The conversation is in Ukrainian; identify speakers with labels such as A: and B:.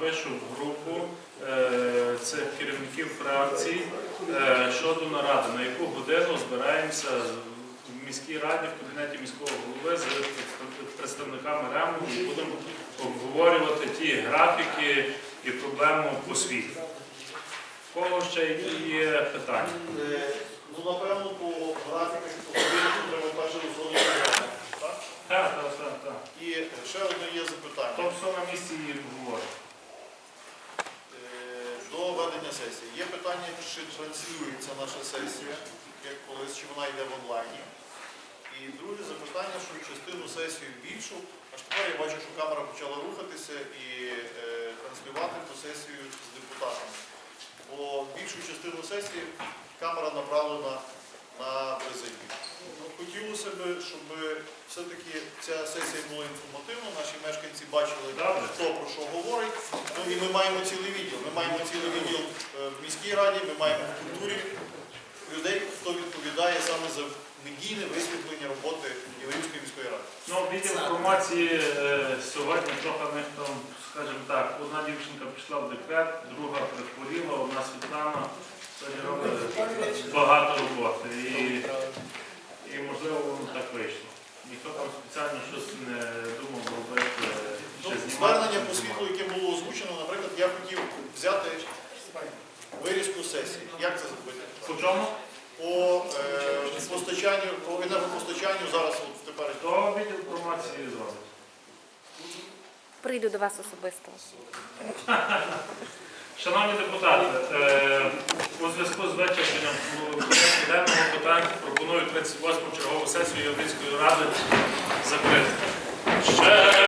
A: напишу в групу цих керівників фракцій щодо наради, на яку годину збираємося в міській раді, в кабінеті міського голови з представниками РЕМу і будемо обговорювати ті графіки і проблему освіти. В кого ще є питання?
B: Ну, напевно, по графіках і по годинку треба перше розробити. Так?
A: Так.
B: І ще одне є запитання.
A: То все на місці і говоримо.
B: До ведення сесії. Є питання, чи транслюється наша сесія, як колись, чи вона йде в онлайні. І друге запитання, що частину сесії більшу, аж тепер я бачу, що камера почала рухатися і транслювати ту сесію з депутатами. Бо більшу частину сесії камера направлена на президію. Хотілося б, щоб все-таки ця сесія була інформативна, наші мешканці бачили, хто про що говорить. Ну, і ми маємо цілий відділ. Ми маємо цілий відділ в міській раді, ми маємо в культурі людей, хто відповідає саме за медійне висвітлення роботи Яворівської міської ради.
A: Ну, відділ інформації сьогодні трохи в них там, скажімо так, одна дівчинка пішла в декрет, друга прихворіла, одна Світлана, сьогодні робить багато роботи. І можливо, воно так вийшло. Ніхто там спеціально щось не думав робити.
B: Звернення по світлу, яке було озвучено, наприклад, я хотів взяти вирізку сесії. Як це зробити?
A: По чому?
B: По енергопостачанню зараз в теперішньому.
A: То відділ інформації зробить.
C: Прийду до вас особисто.
A: Шановні депутати, у зв'язку з вичерпанням порядку денного питань пропоную 38-му чергову сесію Яворівської ради закрити.